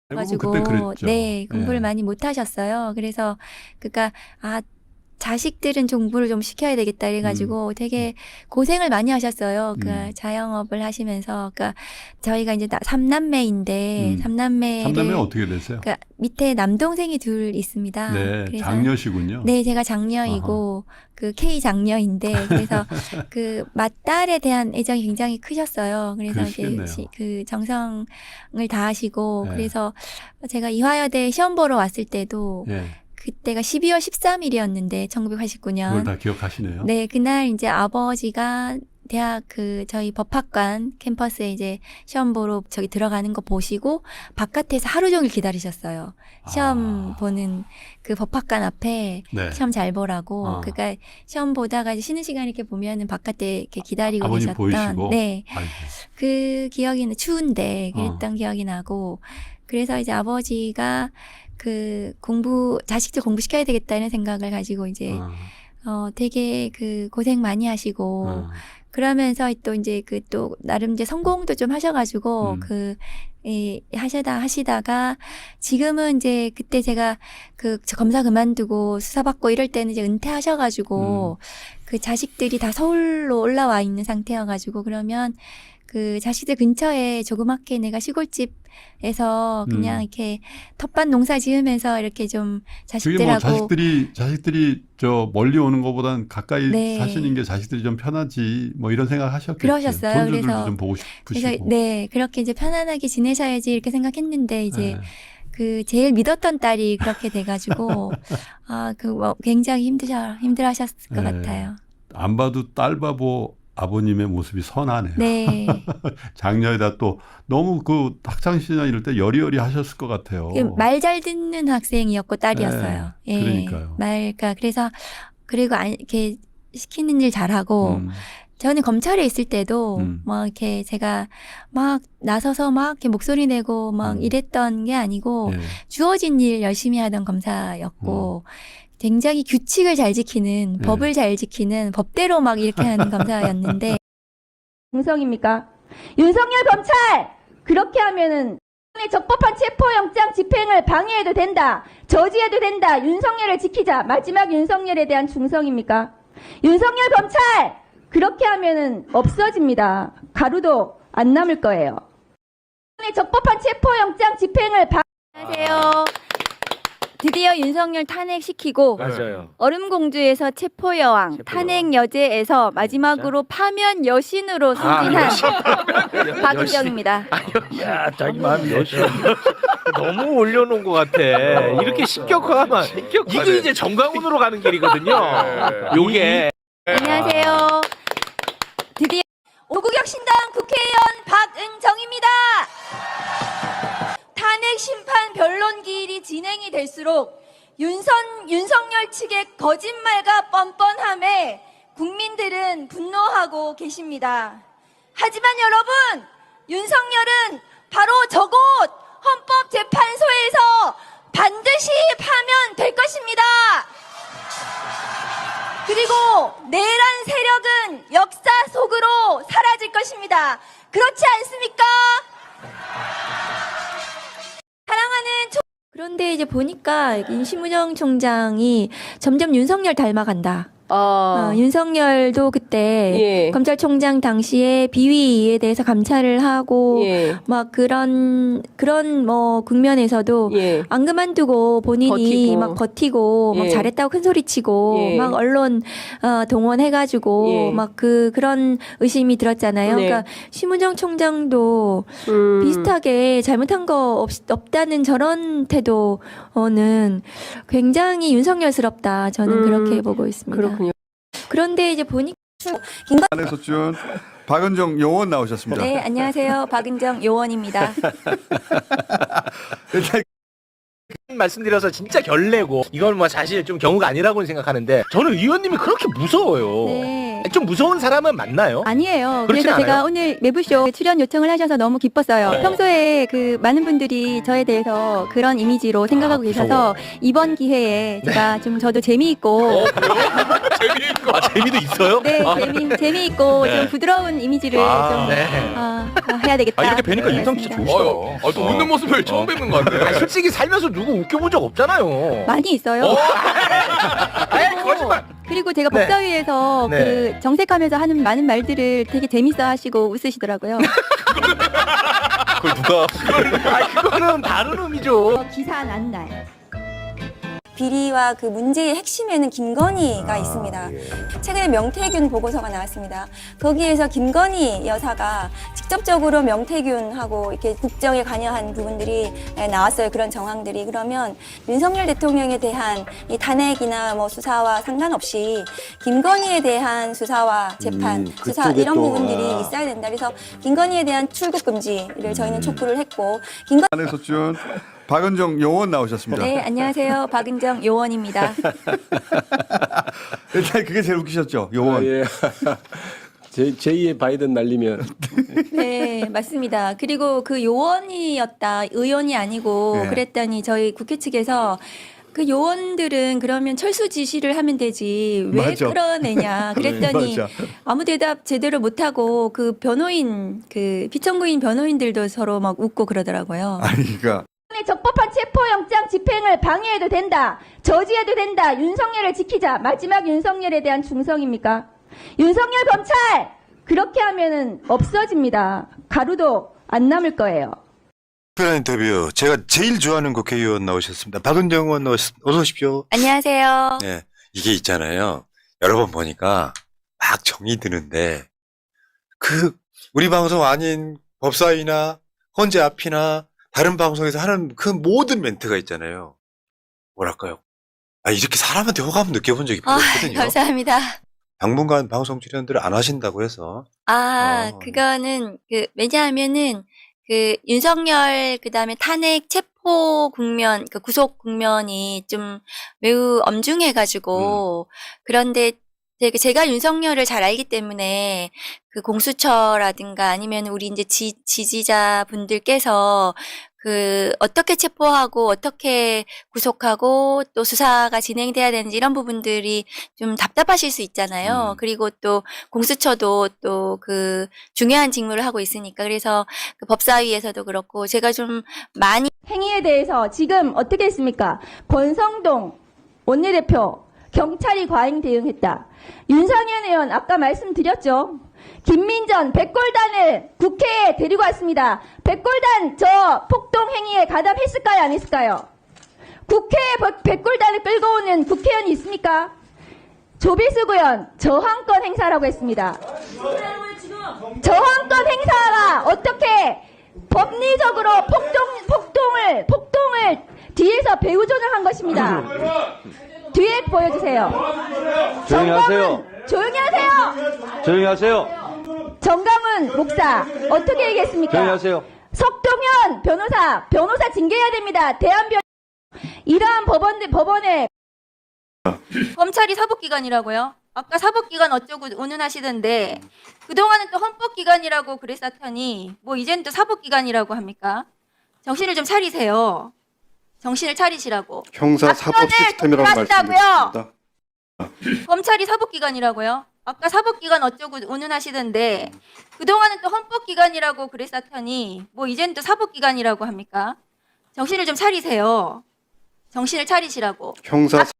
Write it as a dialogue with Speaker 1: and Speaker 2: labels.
Speaker 1: 대부분 그때
Speaker 2: 가지고
Speaker 1: 그랬죠.
Speaker 2: 네, 공부를
Speaker 1: 예.
Speaker 2: 많이 못 하셨어요. 그래서 그러니까 자식들은 공부를 좀 시켜야 되겠다 이래가지고 되게 고생을 많이 하셨어요. 그 자영업을 하시면서. 그러니까 저희가 이제 삼남매인데
Speaker 1: 삼남매
Speaker 2: 삼남매를
Speaker 1: 어떻게 되세요?
Speaker 2: 그러니까 밑에 남동생이 둘 있습니다.
Speaker 1: 네,
Speaker 2: 그래서
Speaker 1: 장녀시군요.
Speaker 2: 네, 제가
Speaker 1: 아하.
Speaker 2: 장녀이고 그 K 장녀인데 그래서 그 맏딸에 대한 애정이 굉장히 크셨어요. 그래서 이제
Speaker 1: 그러시겠네요.
Speaker 2: 그 정성을 다하시고
Speaker 1: 예.
Speaker 2: 그래서 제가 이화여대 시험 보러 왔을 때도
Speaker 1: 예.
Speaker 2: 그때가 12월 13일이었는데
Speaker 1: 그걸
Speaker 2: 1989년.
Speaker 1: 다 기억하시네요.
Speaker 2: 네, 그날 이제 아버지가 대학 저희 법학관 캠퍼스에 이제 시험 보러 저기 들어가는 거 보시고 바깥에서 하루 종일 기다리셨어요. 시험 보는 그 법학관 앞에
Speaker 1: 네.
Speaker 2: 시험 잘 보라고. 그러니까 시험 보다가 이제 쉬는 시간 이렇게 보면은 바깥에 이렇게 기다리고
Speaker 1: 아버님
Speaker 2: 계셨던.
Speaker 1: 보이시고.
Speaker 2: 네.
Speaker 1: 아이고.
Speaker 2: 그 기억이 추운데 그랬던 기억이 나고. 그래서 이제 아버지가 자식들 공부시켜야 되겠다 이런 생각을 가지고 이제 되게 고생 많이 하시고 그러면서 또 이제 또 나름 이제 성공도 좀 하셔가지고 하시다가 지금은 이제 그때 제가 저 검사 그만두고 수사 받고 이럴 때는 이제 은퇴하셔가지고 그 자식들이 다 서울로 올라와 있는 상태여가지고 그러면 그 자식들 근처에 조그맣게 내가 시골집에서 그냥 이렇게 텃밭 농사 지으면서 이렇게 좀
Speaker 1: 그게 뭐
Speaker 2: 자식들하고
Speaker 1: 자식들이 저 멀리 오는 것보단 가까이
Speaker 2: 네.
Speaker 1: 사시는 게 자식들이 좀 편하지 뭐 이런 생각 하셨겠죠.
Speaker 2: 그러셨어요.
Speaker 1: 손주들도
Speaker 2: 그래서
Speaker 1: 좀 보고
Speaker 2: 그래서
Speaker 1: 싶으시고.
Speaker 2: 네, 그렇게 이제 편안하게 지내셔야지 이렇게 생각했는데 이제
Speaker 1: 예.
Speaker 2: 제일 믿었던 딸이 그렇게 돼가지고 굉장히 힘들어하셨을 것
Speaker 1: 예.
Speaker 2: 같아요.
Speaker 1: 안 봐도 딸 바보 아버님의 모습이 선하네요.
Speaker 2: 네.
Speaker 1: 장녀에다 또 너무 그 학창 시절 이럴 때 여리여리 하셨을 것 같아요.
Speaker 2: 말 잘 듣는 학생이었고 딸이었어요. 예.
Speaker 1: 그러니까요.
Speaker 2: 그래서 그리고 이렇게 시키는 일 잘하고 저는 검찰에 있을 때도 막 이렇게 제가 막 나서서 막 이렇게 목소리 내고 막 이랬던 게 아니고
Speaker 1: 예.
Speaker 2: 주어진 일 열심히 하던 검사였고 굉장히 규칙을 잘 지키는 법을 잘 지키는 법대로 막 이렇게 하는 검사였는데
Speaker 3: 정성입니까? 윤석열 검찰 그렇게 하면은 적법한 체포영장 집행을 방해해도 된다. 저지해도 된다. 윤석열을 지키자. 마지막 윤석열에 대한 충성입니까? 윤석열 검찰 그렇게 하면은 없어집니다. 가루도 안 남을 거예요. 적법한 체포영장 집행을
Speaker 2: 안녕하세요. 드디어 윤석열 탄핵시키고
Speaker 4: 맞아요.
Speaker 2: 얼음공주에서 체포여왕, 탄핵여제에서 마지막으로 파면 여신으로 승진한 박은정입니다.
Speaker 4: 야, 자기 마음이 여신. 너무 올려놓은 것 같아. 이렇게 신격화하면 이게 이제 정강훈으로 가는 길이거든요. 요게.
Speaker 2: 안녕하세요. 드디어
Speaker 3: 오구격신당 국회의원 박은정입니다. 탄핵 심판 변론기일이 진행이 될수록 윤석열 측의 거짓말과 뻔뻔함에 국민들은 분노하고 계십니다. 하지만 여러분, 윤석열은 바로 저곳 헌법재판소에서 반드시 파면될 것입니다. 그리고 내란 세력은 역사 속으로 사라질 것입니다. 그렇지 않습니까? 사랑하는
Speaker 2: 그런데 이제 보니까 심우정 총장이 점점 윤석열 닮아간다. 윤석열도 그때
Speaker 5: 예.
Speaker 2: 검찰총장 당시에 비위에 대해서 감찰을 하고
Speaker 5: 예.
Speaker 2: 막 그런 뭐 국면에서도
Speaker 5: 예.
Speaker 2: 안 그만두고 본인이
Speaker 5: 버티고.
Speaker 2: 막 버티고 막
Speaker 5: 예.
Speaker 2: 잘했다고 큰 소리 치고
Speaker 5: 예.
Speaker 2: 막 언론 동원해가지고
Speaker 5: 예.
Speaker 2: 막 그런 의심이 들었잖아요.
Speaker 5: 네.
Speaker 2: 그러니까 심우정 총장도 비슷하게 잘못한 거 없다는 저런 태도는 굉장히 윤석열스럽다. 저는 그렇게 보고 있습니다.
Speaker 5: 그렇군요.
Speaker 2: 그런데 이제 보니까
Speaker 6: 안에서 준 박은정 요원 나오셨습니다.
Speaker 2: 네, 안녕하세요. 박은정 요원입니다.
Speaker 6: 일단
Speaker 4: 말씀드려서 진짜 결례고 이건 뭐 사실 좀 경우가 아니라고 생각하는데 저는 의원님이 그렇게 무서워요.
Speaker 2: 네.
Speaker 4: 좀 무서운 사람은 맞나요?
Speaker 2: 아니에요.
Speaker 4: 그렇진
Speaker 2: 그래서 제가
Speaker 4: 않아요?
Speaker 2: 오늘 매부쇼 출연 요청을 하셔서 너무 기뻤어요. 평소에 그 많은 분들이 저에 대해서 그런 이미지로 생각하고 계셔서 이번 기회에 제가 좀 저도 재미있고
Speaker 4: 재미있고. 재미도 있어요?
Speaker 2: 네, 재미있고 좀 부드러운 이미지를 좀
Speaker 4: 네.
Speaker 2: 해야 되겠다.
Speaker 5: 이렇게 뵈니까 인상 진짜 좋으시다.
Speaker 7: 또 웃는 모습을 처음 뵙는 것 같아요.
Speaker 4: 아니, 솔직히 살면서 누구 웃겨본 적 없잖아요.
Speaker 2: 많이 있어요.
Speaker 4: 거짓말.
Speaker 2: 그리고 제가
Speaker 4: 네.
Speaker 2: 법사위에서
Speaker 4: 네.
Speaker 2: 그 정색하면서 하는 많은 말들을 되게 재밌어 하시고 웃으시더라고요.
Speaker 5: 그걸 누가
Speaker 4: 그거는 다른 의미죠.
Speaker 2: 기사 난 날.
Speaker 8: 비리와 그 문제의 핵심에는 김건희가 있습니다. 최근에 명태균 보고서가 나왔습니다. 거기에서 김건희 여사가 직접적으로 명태균하고 이렇게 국정에 관여한 부분들이 나왔어요. 그런 정황들이. 그러면 윤석열 대통령에 대한 이 탄핵이나 뭐 수사와 상관없이 김건희에 대한 수사와 재판, 수사 이런 부분들이 있어야 된다. 그래서 김건희에 대한 출국 금지를 저희는 촉구를 했고,
Speaker 6: 안에서 준 박은정 요원 나오셨습니다.
Speaker 2: 네, 안녕하세요. 박은정 요원입니다.
Speaker 6: 일단 그게 제일 웃기셨죠, 요원.
Speaker 9: 예. 제2의 바이든 날리면
Speaker 2: 네, 맞습니다. 그리고 그 요원이었다, 의원이 아니고
Speaker 6: 네.
Speaker 2: 그랬더니 저희 국회 측에서 그 요원들은 그러면 철수 지시를 하면 되지 왜
Speaker 6: 맞아.
Speaker 2: 끌어내냐 그랬더니
Speaker 6: 맞아.
Speaker 2: 아무 대답 제대로 못하고 그 변호인 그 피청구인 변호인들도 서로 막 웃고 그러더라고요.
Speaker 6: 아니, 그러니까
Speaker 3: 적법한 체포영장 집행을 방해해도 된다. 저지해도 된다. 윤석열을 지키자. 마지막 윤석열에 대한 충성입니까? 윤석열 검찰! 그렇게 하면은 없어집니다. 가루도 안 남을 거예요.
Speaker 10: 특별한 인터뷰 제가 제일 좋아하는 국회의원 나오셨습니다. 박은정 의원 어서 오십시오.
Speaker 2: 안녕하세요.
Speaker 10: 네, 이게 있잖아요. 여러 번 보니까 막 정이 드는데 그 우리 방송 아닌 법사위나 헌재 앞이나 다른 방송에서 하는 그 모든 멘트가 있잖아요. 뭐랄까요? 이렇게 사람한테 호감 느껴본 적이 별로 없거든요.
Speaker 2: 감사합니다.
Speaker 10: 당분간 방송 출연들을 안 하신다고 해서
Speaker 2: 그거는 왜냐하면은 그 윤석열 그다음에 탄핵 체포 국면, 그 구속 국면이 좀 매우 엄중해가지고 그런데 제가 윤석열을 잘 알기 때문에 그 공수처라든가 아니면 우리 이제 지지자분들께서 그 어떻게 체포하고 어떻게 구속하고 또 수사가 진행돼야 되는지 이런 부분들이 좀 답답하실 수 있잖아요. 그리고 또 공수처도 또 그 중요한 직무를 하고 있으니까 그래서 그 법사위에서도 그렇고 제가 좀 많이
Speaker 3: 행위에 대해서 지금 어떻게 했습니까? 권성동 원내대표 경찰이 과잉 대응했다. 윤상현 의원 아까 말씀드렸죠. 김민전 백골단을 국회에 데리고 왔습니다. 백골단 저 폭동 행위에 가담했을까요? 안 했을까요? 국회에 백골단을 끌고 오는 국회의원이 있습니까? 조비수 의원 저항권 행사라고 했습니다. 저항권 행사가 어떻게 법리적으로 폭동을 뒤에서 배후전을 한 것입니다. 뒤에 보여주세요.
Speaker 9: 조용히 하세요.
Speaker 3: 조용히 하세요.
Speaker 9: 조용히 하세요.
Speaker 3: 정강훈 목사 어떻게 얘기했습니까?
Speaker 9: 조용히 하세요.
Speaker 3: 석동현 변호사 징계해야 됩니다. 대한변 이러한 법원에
Speaker 2: 검찰이 사법기관이라고요? 아까 사법기관 어쩌고 운운하시던데 그동안은 또 헌법기관이라고 그랬었더니 뭐 이젠 또 사법기관이라고 합니까? 정신을 좀 차리세요. 정신을 차리시라고.
Speaker 6: 형사 사법 시스템이라고 말씀드렸습니다.
Speaker 2: 검찰이 사법기관이라고요? 아까 사법기관 어쩌고 운운하시던데 그동안은 또 헌법기관이라고 그랬었더니 뭐 이젠 또 사법기관이라고 합니까? 정신을 좀 차리세요. 정신을 차리시라고.
Speaker 6: 형사